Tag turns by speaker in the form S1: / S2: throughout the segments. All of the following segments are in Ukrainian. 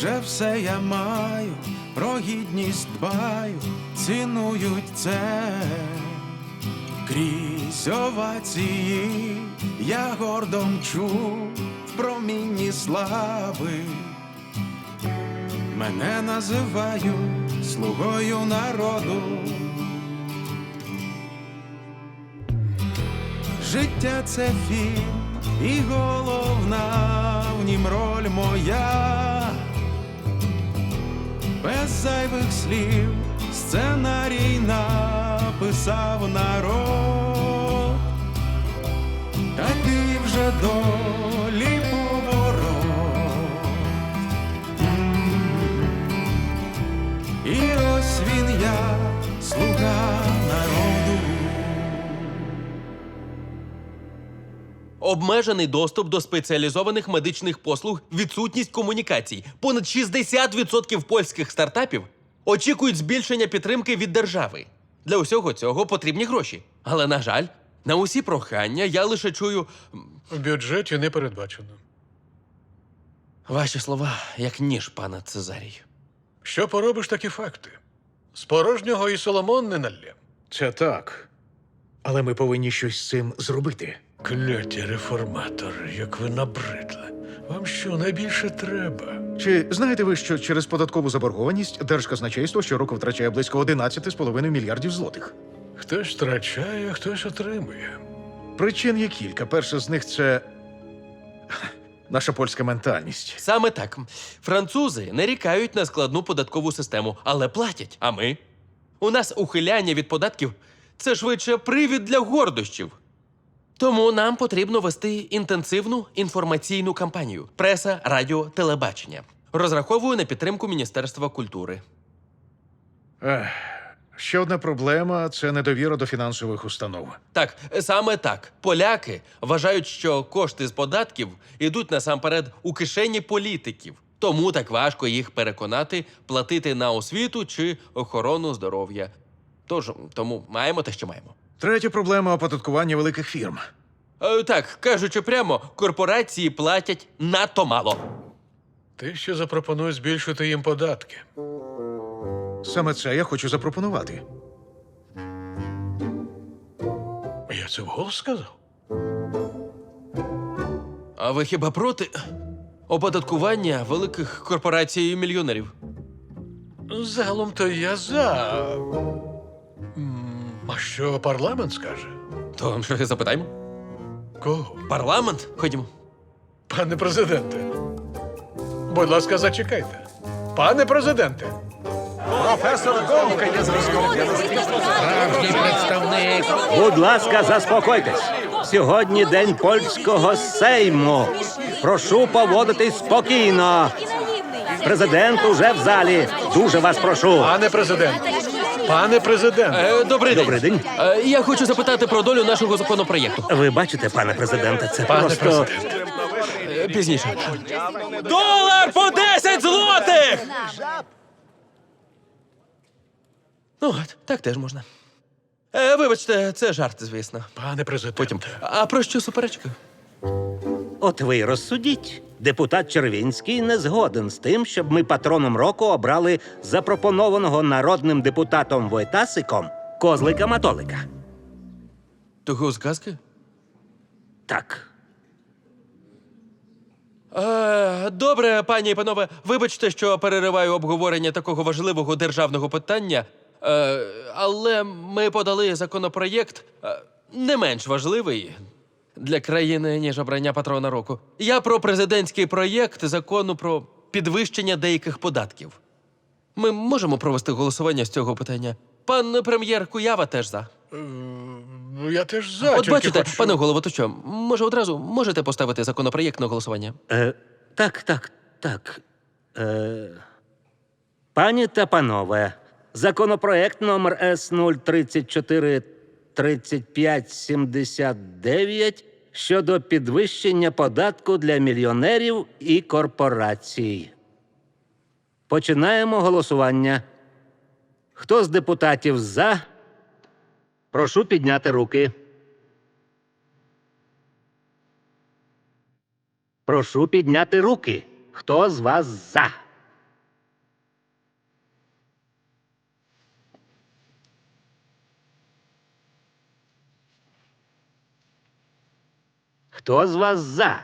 S1: вже все я маю, про гідність дбаю, цінують це. Крізь овації я гордо мчу в промінні слави. Мене називають слугою народу. Життя — це фільм, і головна в нім роль моя. Без зайвих слів сценарій написав народ. Такий вже долі поворот. І ось він я, слуга народу.
S2: Обмежений доступ до спеціалізованих медичних послуг, відсутність комунікацій. Понад 60% польських стартапів очікують збільшення підтримки від держави. Для усього цього потрібні гроші. Але, на жаль, на усі прохання я лише чую
S3: В бюджеті не передбачено.
S2: ваші слова, як ніж, пане Цезарій.
S3: Що поробиш, такі факти? З порожнього і Соломон не налє.
S4: Це так. Але ми повинні щось з цим зробити.
S3: Кляті реформатори, як ви набридли. Вам що, найбільше треба?
S4: Чи знаєте ви, що через податкову заборгованість Держказначейство щороку втрачає близько 11,5 мільярдів злотих?
S3: Хтось втрачає, а хтось отримує.
S4: Причин є кілька. Перша з них – це наша польська ментальність.
S2: Саме так. Французи нарікають на складну податкову систему, але платять. А ми? У нас ухиляння від податків – це швидше привід для гордощів. Тому нам потрібно вести інтенсивну інформаційну кампанію. Преса, радіо, телебачення. Розраховую на підтримку Міністерства культури.
S4: Ще одна проблема – це недовіра до фінансових установ.
S2: Так, саме так. Поляки вважають, що кошти з податків йдуть насамперед у кишені політиків. Тому так важко їх переконати платити на освіту чи охорону здоров'я. Тому маємо те, що маємо.
S4: Третя проблема – оподаткування великих фірм.
S2: Так, кажучи прямо, корпорації платять надто мало.
S3: Ти ще запропонуй збільшити їм податки.
S4: Саме це я хочу запропонувати.
S3: Я це вголос сказав?
S2: А ви хіба проти оподаткування великих корпорацій і мільйонерів?
S3: Загалом-то я за. А що парламент скаже?
S2: То що запитаємо?
S3: Кого?
S2: Парламент? Ходімо.
S3: Пане президенте. Будь ласка, зачекайте. Пане президенте.
S5: Будь ласка, заспокойтесь. Сьогодні день польського сейму. Прошу поводитись спокійно. Президент уже в залі. Дуже вас прошу.
S3: Пане президенте. Пане президенте.
S2: Добрий день.
S5: Добрий день.
S2: Я хочу запитати про долю нашого законопроєкту.
S5: Ви бачите, пане президенте, це
S3: Пане
S5: просто...
S3: президенте.
S2: Пізніше. Долар по 10 злотих! Ну, от, так теж можна. Вибачте, це жарт, звісно.
S3: Пане президенте.
S2: Потім. А про що суперечка?
S5: От ви й розсудіть. Депутат Червінський не згоден з тим, щоб ми патроном року обрали запропонованого народним депутатом Войтасиком Козлика-Матолика.
S2: Того з казки?
S5: Так.
S2: Добре, пані і панове, вибачте, що перериваю обговорення такого важливого державного питання, але ми подали законопроєкт не менш важливий для країни, ніж обрання патрона року. Я про президентський проєкт закону про підвищення деяких податків. Ми можемо провести голосування з цього питання? Пан прем'єр Куява теж за.
S3: Ну, я теж за.
S2: От
S3: тільки
S2: бачите,
S3: хочу-
S2: пане голово, то що, може одразу можете поставити законопроєкт на голосування?
S5: Так. Пані та панове, законопроект номер С0343579 щодо підвищення податку для мільйонерів і корпорацій. Починаємо голосування. Хто з депутатів за? Прошу підняти руки. Прошу підняти руки. Хто з вас за? Хто з вас за?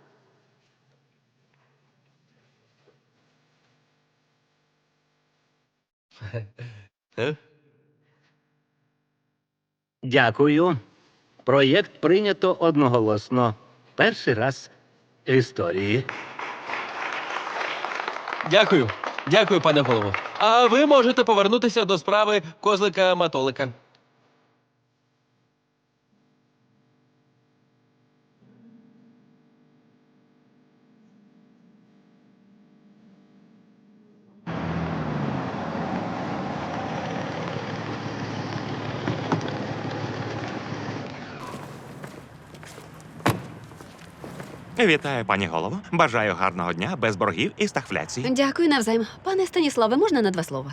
S5: Дякую. Проєкт прийнято одноголосно. Перший раз в історії.
S2: Дякую. Дякую, пане голово. А ви можете повернутися до справи козлика-матолика.
S6: Вітаю, пані голово. Бажаю гарного дня, без боргів і стагфляції.
S7: Дякую навзаєм. Пане Станіславе, можна на 2 слова?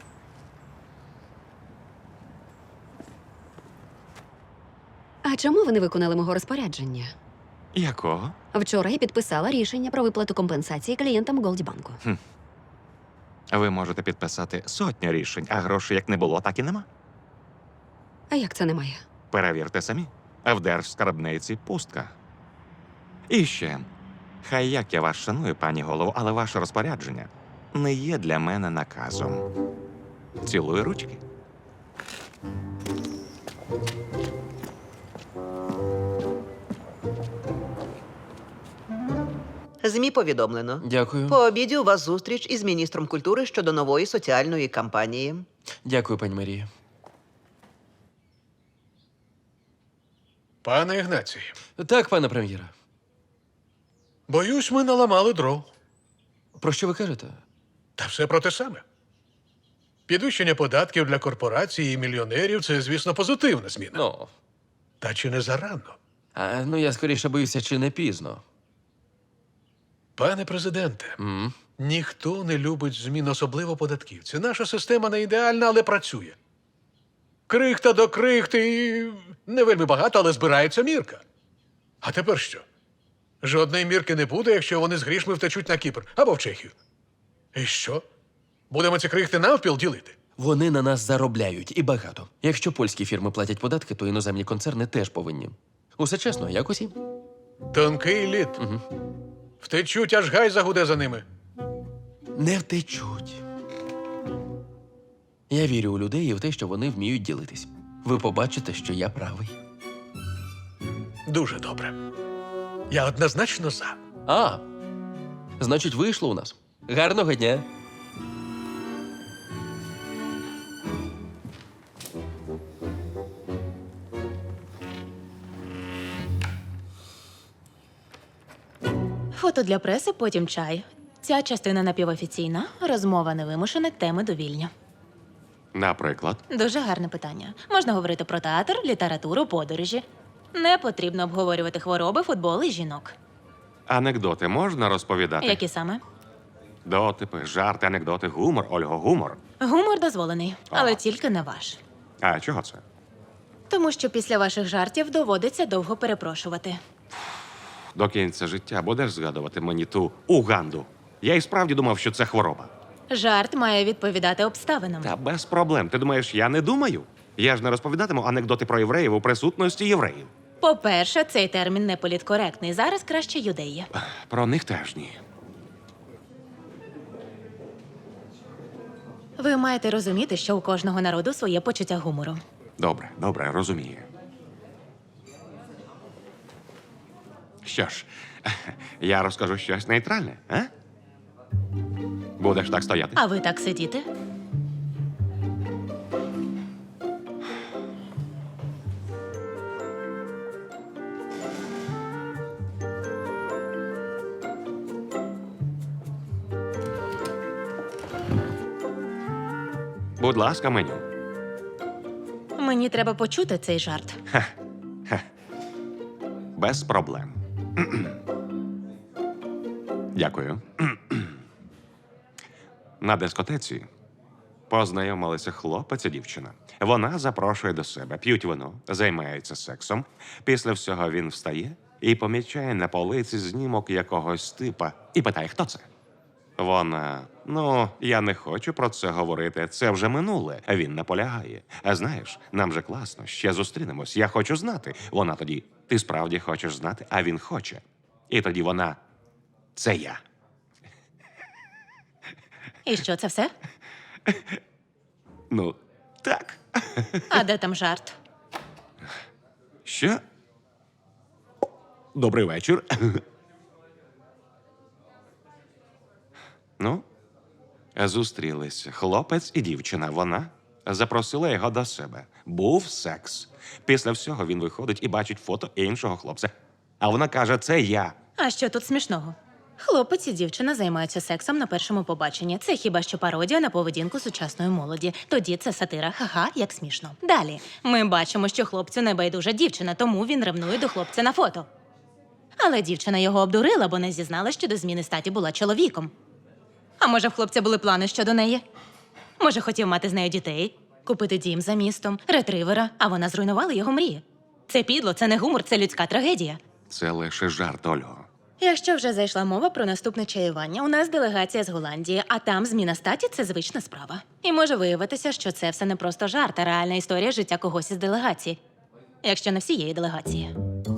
S7: А чому ви не виконали мого розпорядження?
S6: Якого?
S7: Вчора я підписала рішення про виплату компенсації клієнтам Голдбанку.
S6: Ви можете підписати сотню рішень, а грошей як не було, так і нема.
S7: А як це немає?
S6: Перевірте самі. В держскарбниці пустка. І ще. Хай як я вас шаную, пані голово, але ваше розпорядження не є для мене наказом. Цілую ручки.
S8: ЗМІ повідомлено.
S2: Дякую.
S8: По обіді у вас зустріч із міністром культури щодо нової соціальної кампанії.
S2: Дякую, пані Марія.
S3: Пане Ігнацій,
S2: Так, пане прем'єре.
S3: боюсь, ми наламали дров.
S2: Про що ви кажете?
S3: Та все про те саме. Підвищення податків для корпорацій і мільйонерів – це, звісно, позитивна зміна.
S2: Ну,
S3: Та чи не зарано?
S2: я скоріше боюся, чи не пізно.
S3: Пане президенте, ніхто не любить змін, особливо податківці. Наша система не ідеальна, але працює. Крихта до крихти і не вельми багато, але збирається мірка. А тепер що? Жодної мірки не буде, якщо вони з грішми втечуть на Кіпр або в Чехію. І що? Будемо ці крихти навпіл ділити?
S2: Вони на нас заробляють і багато. Якщо польські фірми платять податки, то іноземні концерни теж повинні. Усе чесно, як усі.
S3: Тонкий лід. Втечуть, аж гай загуде за ними.
S2: Не втечуть. Я вірю у людей і в те, що вони вміють ділитись. Ви побачите, що я правий.
S3: Дуже добре. Я однозначно за.
S2: Значить, вийшло у нас. Гарного дня.
S9: Фото для преси, потім чай. Ця частина напівофіційна, розмова невимушена, теми довільні.
S6: Наприклад,
S9: Дуже гарне питання. Можна говорити про театр, літературу, подорожі. Не потрібно обговорювати хвороби, футбол і жінок.
S6: анекдоти можна розповідати?
S9: Які саме?
S6: Дотипи, жарти, анекдоти, гумор, Ольго, гумор.
S9: Гумор дозволений, але тільки не ваш.
S6: А чого це?
S9: Тому що після ваших жартів доводиться довго перепрошувати.
S6: До кінця життя будеш згадувати мені ту Уганду. Я і справді думав, що це хвороба.
S9: Жарт має відповідати обставинам.
S6: Та без проблем. Ти думаєш, я не думаю? Я ж не розповідатиму анекдоти про євреїв у присутності євреїв.
S9: По-перше, цей термін не політкоректний. Зараз краще юдеї.
S6: Про них теж ні.
S9: Ви маєте розуміти, що у кожного народу своє почуття гумору.
S6: Добре, добре, розумію. Що ж, я розкажу щось нейтральне, а? Будеш так стояти?
S9: А ви так сидіти?
S6: Будь ласка, меню.
S9: Мені треба почути цей жарт.
S6: Без проблем. Дякую. На дискотеці познайомилися хлопець і дівчина. Вона запрошує до себе, п'ють вино, займаються сексом. Після всього він встає і помічає на полиці знімок якогось типа і питає, хто це. Вона, я не хочу про це говорити, це вже минуле. Він наполягає. А знаєш, нам же класно, ще зустрінемось, я хочу знати. Вона тоді, Ти справді хочеш знати, а він хоче. І тоді вона – це я.
S9: І що, це все?
S6: Ну, так.
S9: А де там жарт?
S6: Що? Добрий вечір. Ну, зустрілися хлопець і дівчина. Вона запросила його до себе. Був секс. Після всього він виходить і бачить фото іншого хлопця. А вона каже, це я.
S9: А що тут смішного? Хлопець і дівчина займаються сексом на першому побаченні. Це хіба що пародія на поведінку сучасної молоді. Тоді це сатира, ха-ха, як смішно. Далі ми бачимо, що хлопцю не байдужа дівчина, тому він ревнує до хлопця на фото. Але дівчина його обдурила, бо не зізнала, що до зміни статі була чоловіком. А може, в хлопця були плани щодо неї? Може, хотів мати з нею дітей, купити дім за містом, ретривера, а вона зруйнувала його мрії. Це підло, це не гумор, це людська трагедія.
S6: Це лише жарт, Ольго.
S9: Якщо вже зайшла мова про наступне чаювання, у нас делегація з Голландії, а там зміна статі це звична справа. І може виявитися, що це все не просто жарт, а реальна історія життя когось із делегації. Якщо не всієї делегації.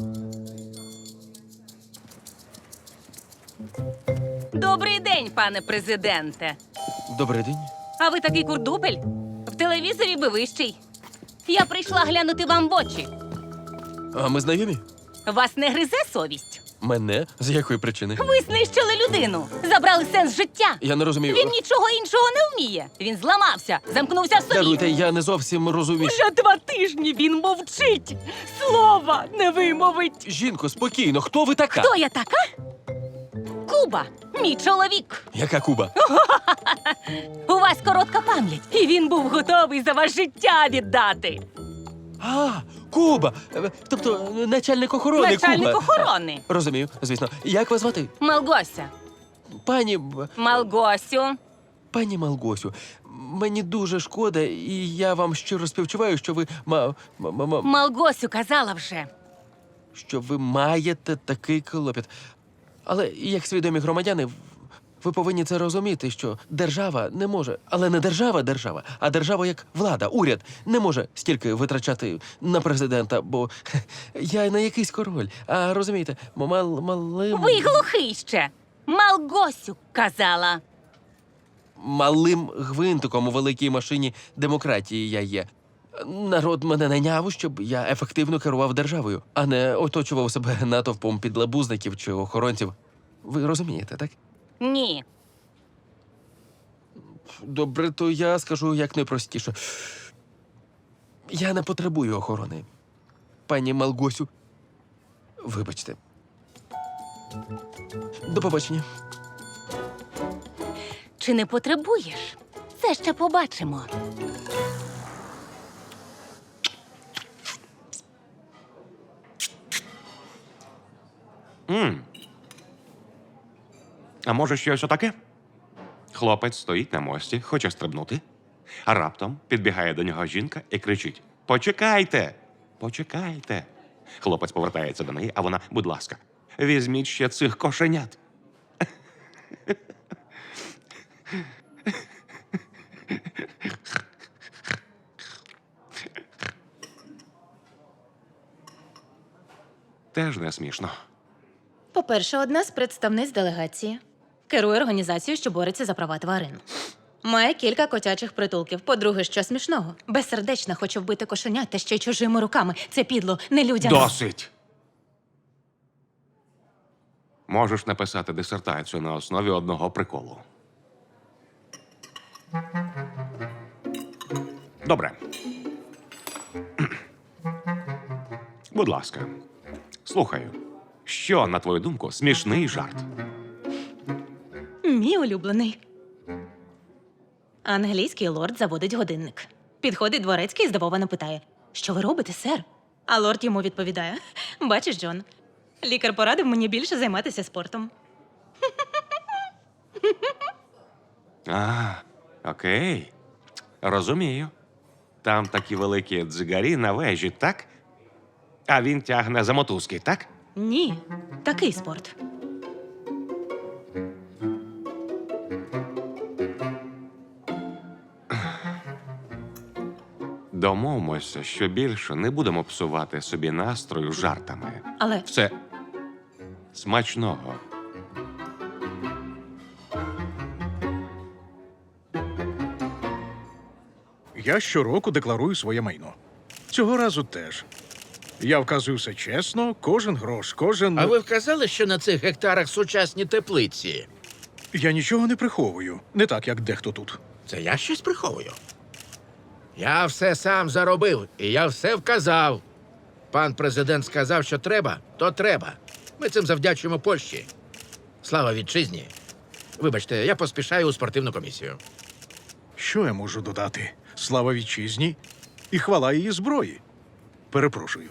S10: Добрий день, пане президенте.
S2: Добрий день.
S10: А ви такий курдупель? В телевізорі би вищий. Я прийшла глянути вам в очі.
S2: А ми знайомі?
S10: Вас не гризе совість?
S2: Мене? З якої причини?
S10: Ви знищили людину, забрали сенс життя.
S2: Я не розумію.
S10: Він нічого іншого не вміє. Він зламався, замкнувся в собі.
S2: Даруйте, я не зовсім розумію.
S10: Вже 2 тижні він мовчить. Слова не вимовить.
S2: Жінко, спокійно, хто ви така?
S10: Хто я така? Куба, мій чоловік.
S2: Яка Куба?
S10: У вас коротка пам'ять, і він був готовий за вас життя віддати.
S2: А, Куба! Тобто начальник охорони
S10: Начальник
S2: Куба.
S10: охорони.
S2: Розумію, звісно. Як вас звати?
S10: Малгося.
S2: Пані...
S10: Малгосю.
S2: Пані Малгосю, мені дуже шкода, і я вам щиро співчуваю, що ви
S10: Малгосю казала вже.
S2: що ви маєте такий клопіт. Але як свідомі громадяни, ви повинні це розуміти, що держава не може, але не держава, а держава як влада, уряд не може стільки витрачати на президента, бо я не якийсь король, а розумієте, малим...
S10: Ви глухий ще. Малгосю казала.
S2: Малим гвинтиком у великій машині демократії я є. Народ мене найняв, щоб я ефективно керував державою, а не оточував себе натовпом підлабузників чи охоронців. Ви розумієте, так?
S10: Ні.
S2: Добре, то я скажу як найпростіше. Я не потребую охорони. Пані Малгосю, вибачте. До побачення.
S10: Чи не потребуєш? Це ще побачимо.
S6: А може щось отаке? Хлопець стоїть на мості, хоче стрибнути, а раптом підбігає до нього жінка і кричить: «Почекайте! Почекайте!» Хлопець повертається до неї, а вона: «Будь ласка, візьміть ще цих кошенят». Теж не смішно.
S9: По-перше, одна з представниць делегації керує організацією, що бореться за права тварин. Має кілька котячих притулків. По-друге, що смішного? Безсердечна хоче вбити кошенят та ще й чужими руками. Це підло, нелюдяно.
S6: Досить! Можеш написати дисертацію на основі одного приколу. Добре. Будь ласка, слухаю. Що, на твою думку, смішний жарт?
S9: Мій улюблений. Англійський лорд заводить годинник. Підходить дворецький і здивовано питає: «Що ви робите, сер?» А лорд йому відповідає: «Бачиш, Джон, лікар порадив мені більше займатися спортом».
S6: А, окей. Розумію. Там такі великі дзигарі на вежі, так? А він тягне за мотузки, так?
S9: Ні, такий спорт.
S6: Домовимося, що більше не будемо псувати собі настрою жартами.
S9: Але
S6: Все смачного.
S4: Я щороку декларую своє майно. Цього разу теж. Я вказую все чесно, кожен грош, кожен.
S11: А ви вказали, що на цих гектарах сучасні теплиці?
S4: Я нічого не приховую. Не так, як дехто тут.
S11: Це я щось приховую. Я все сам заробив, і я все вказав. Пан президент сказав, що треба, то треба. Ми цим завдячуємо Польщі. Слава вітчизні. Вибачте, я поспішаю у спортивну комісію.
S4: Що я можу додати? Слава вітчизні і хвала її зброї. Перепрошую.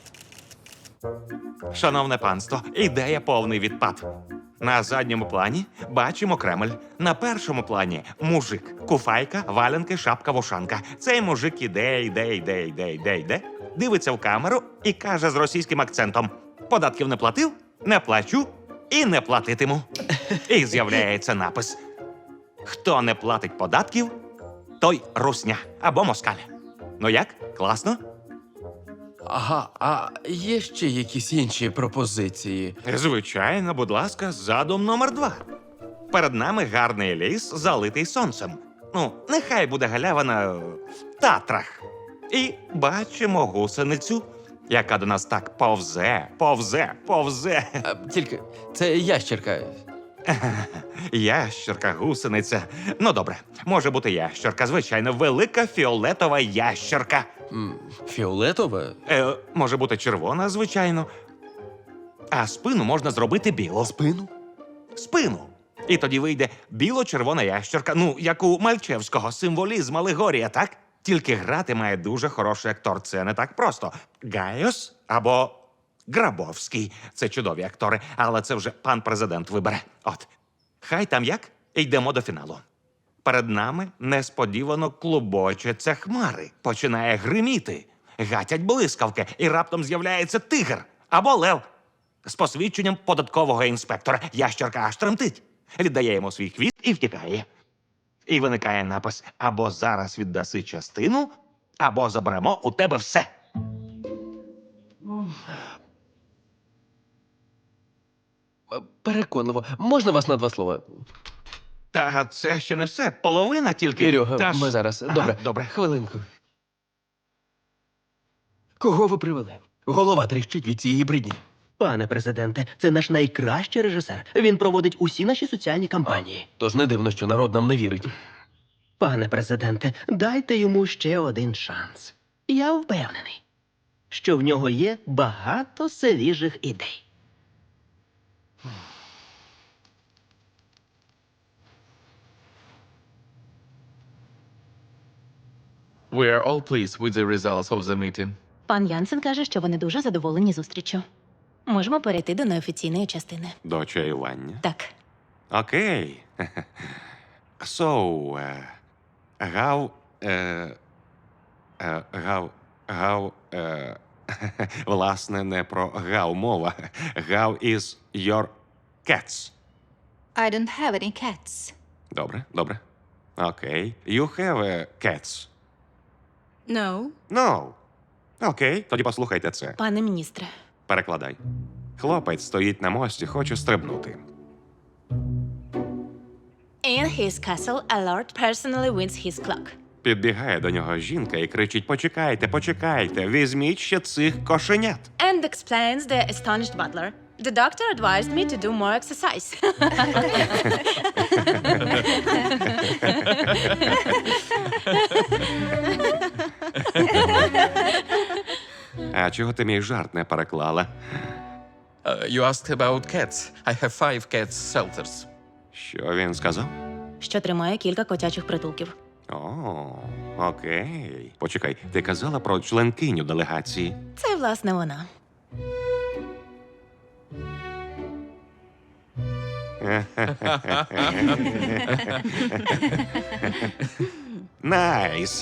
S6: Шановне панство, ідея повний відпад. На задньому плані бачимо Кремль. На першому плані мужик. Куфайка, валянки, шапка, вушанка. Цей мужик іде, дивиться в камеру і каже з російським акцентом: податків не платив, не плачу і не платитиму. І з'являється напис: хто не платить податків, той русня або москаль. Ну як? Класно?
S2: Ага, а є ще якісь інші пропозиції?
S6: Звичайно, будь ласка, задум номер 2. Перед нами гарний ліс, залитий сонцем. Ну, нехай буде галявина в Татрах. І бачимо гусеницю, яка до нас так повзе.
S2: Тільки це ящерка.
S6: Ящерка, гусениця. Ну, добре, може бути ящерка, звичайно, велика фіолетова ящерка.
S2: Фіолетова?
S6: Може бути червона, звичайно. А спину можна зробити біло.
S2: Спину?
S6: Спину. І тоді вийде біло-червона ящерка, ну, як у Мальчевського, символізм, алегорія, так? Тільки грати має дуже хороший актор, це не так просто. Гайос або Грабовський. Це чудові актори, але це вже пан президент вибере. От. Хай там як, йдемо до фіналу. Перед нами несподівано клубочаться хмари. Починає гриміти. Гатять блискавки, і раптом з'являється тигр або лев з посвідченням податкового інспектора. Ящерка аж тремтить. Віддає йому свій хвіст і втікає. І виникає напис: або зараз віддаси частину, або заберемо у тебе все.
S2: Переконливо. Можна вас на 2 слова?
S6: Та це ще не все. Половина тільки.
S2: Кирюха,
S6: Та ж-
S2: ми зараз.
S6: Ага,
S2: Добре.
S6: добре.
S2: Хвилинку. Кого ви привели? Голова тріщить від цієї бридні.
S12: Пане президенте, це наш найкращий режисер. Він проводить усі наші соціальні кампанії.
S2: Тож не дивно, що народ нам не вірить.
S12: Пане президенте, дайте йому ще один шанс. Я впевнений, що в нього є багато свіжих ідей.
S1: We are all pleased with the results of the meeting.
S9: пан Янсен каже, що вони дуже задоволені зустріччю. Можемо перейти до неофіційної частини.
S6: До чаювання.
S9: Так.
S6: Окей. So, власне, не про гав мова. How is your cats?
S10: I don't have any cats.
S6: Добре, добре. Окей. You have cats?
S10: No.
S6: No. Окей, тоді послухайте це.
S9: Пане міністре,
S6: Перекладай. Хлопець стоїть на мості, хоче стрибнути.
S9: in his castle, a lord personally wins his clock.
S6: Підбігає до нього жінка і кричить: почекайте, почекайте, візьміть ще цих кошенят.
S9: And explains the astonished butler. The doctor advised me to do more exercise.
S6: А чого ти мій жарт не переклала?
S1: You asked about cats. I have 5 cats shelters.
S6: Що він сказав?
S9: Що тримає кілька котячих притулків.
S6: О, окей. Почекай, ти казала про членкиню делегації.
S9: Це, власне, вона.
S6: Найс.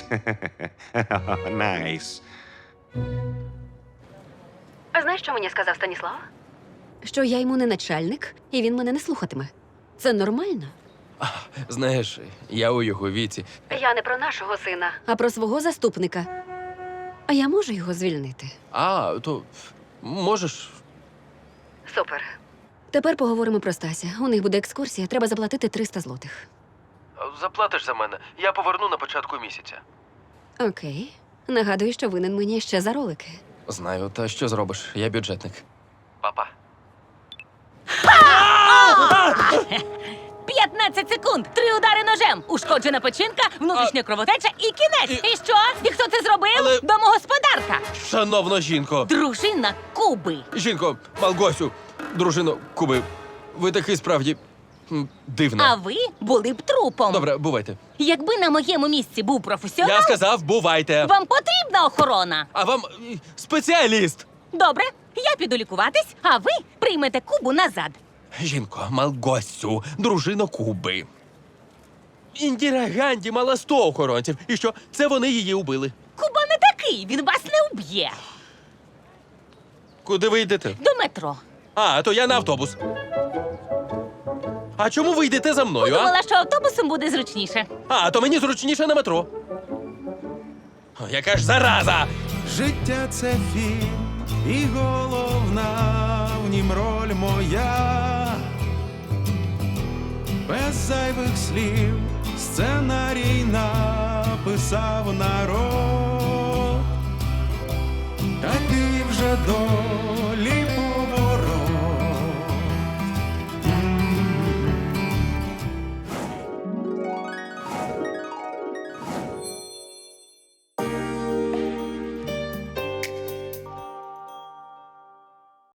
S6: Найс.
S7: А знаєш, що мені сказав Станіслав? Що я йому не начальник, і він мене не слухатиме. Це нормально?
S2: Знаєш, я у його віці.
S7: Я не про нашого сина, а про свого заступника. А я можу його звільнити?
S2: А, то можеш.
S7: Супер. Тепер поговоримо про Стася. У них буде екскурсія, треба заплатити 300 злотих.
S2: Заплатиш за мене. Я поверну на початку місяця.
S7: Окей. Нагадую, що винен мені ще за ролики.
S2: Знаю, та що зробиш? Я бюджетник. Папа.
S10: 15 секунд, 3 удари ножем, ушкоджена печінка, внутрішня кровотеча і кінець. І що? І хто це зробив?
S2: Але-
S10: Домогосподарка.
S2: Шановна жінко!
S10: Дружина Куби.
S2: Жінко, Малгосю, дружино Куби, ви такий справді дивна.
S10: А ви були б трупом.
S2: Добре, бувайте.
S10: Якби на моєму місці був професіонал,
S2: Я сказав, бувайте.
S10: вам потрібна охорона.
S2: А вам спеціаліст.
S10: Добре, я піду лікуватись, а ви приймете Кубу назад.
S2: Жінко, Малгосю, дружино Куби. Індіра Ганді мала 100 охоронців. І що? Це вони її убили.
S10: Куба не такий, він вас не уб'є.
S2: Куди ви йдете?
S10: До метро.
S2: А, то я на автобус. А чому ви йдете за мною, а?
S10: Думала, що автобусом буде зручніше.
S2: А, то мені зручніше на метро. О, яка ж зараза!
S1: Життя це фільм, і головна в нім роль моя. Без зайвих слів сценарій написав народ. Такий вже долі